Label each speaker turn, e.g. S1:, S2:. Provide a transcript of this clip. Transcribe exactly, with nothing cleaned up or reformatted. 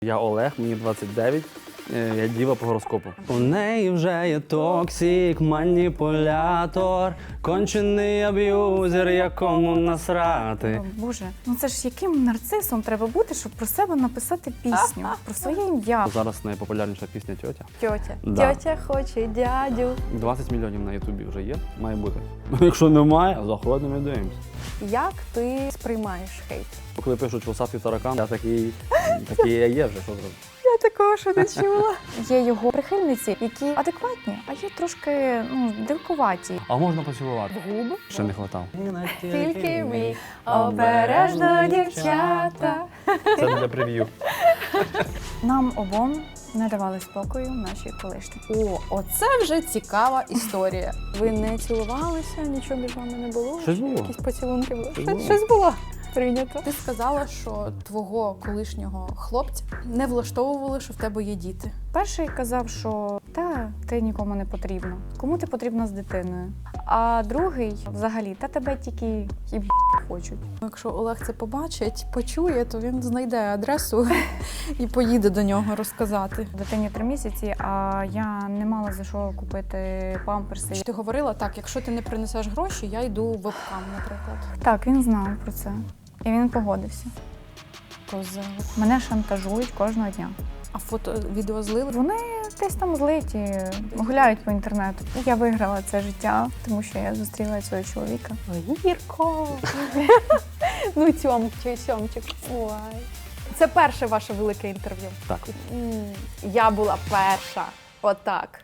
S1: Я Олег, мені двадцять дев'ять, я діва по гороскопу. У неї вже є токсик, маніпулятор, кончений аб'юзер, якому насрати.
S2: О, Боже, ну це ж яким нарцисом треба бути, щоб про себе написати пісню, про своє ім'я.
S1: Зараз найпопулярніша пісня «Тьотя».
S3: Тьотя.
S1: Да.
S3: Тьотя хоче дядю.
S1: двадцять мільйонів на Ютубі вже є, має бути. Якщо немає, заходимо і дивимося.
S3: Як ти сприймаєш хейт?
S1: Коли пишуть «Волосатий таракан», я такий, такий я є вже, що зробити.
S3: Я такого ще не чула.
S2: Є його прихильниці, які адекватні, а є трошки ну, дивкуваті.
S1: А можна поцілувати?
S3: В губи?
S1: Ще не хватало.
S3: Тільки ми обережно, дівчата.
S1: Це для прев'ю.
S2: Нам обом не давали спокою наші колишні.
S3: О, оце вже цікава історія. Ви не цілувалися, нічого між вами не було?
S1: Щось було.
S3: Якісь поцілунки були?
S1: Щось
S3: Щось,
S1: було.
S3: щось було. Прийнято. Ти сказала, що твого колишнього хлопця не влаштовували, що в тебе є діти.
S2: Перший казав, що та ти нікому не потрібна. Кому ти потрібна з дитиною? А другий взагалі, та тебе тільки і хочуть.
S3: Якщо Олег це побачить, почує, то він знайде адресу і поїде до нього розказати.
S2: Дитині три місяці, а я не мала за що купити памперси.
S3: Ти говорила так, якщо ти не принесеш гроші, я йду в вебкам, наприклад.
S2: Так, він знав про це. І він погодився.
S3: Козел.
S2: Мене шантажують кожного дня.
S3: А фото, відео злили?
S2: Вони десь там злиті, гуляють по інтернету. І я виграла це життя, тому що я зустріла цього чоловіка.
S3: Гірко! Ну, цьомчик, цьомчик. Ой. Це перше ваше велике інтерв'ю?
S1: Так.
S3: М, Я була перша. Отак.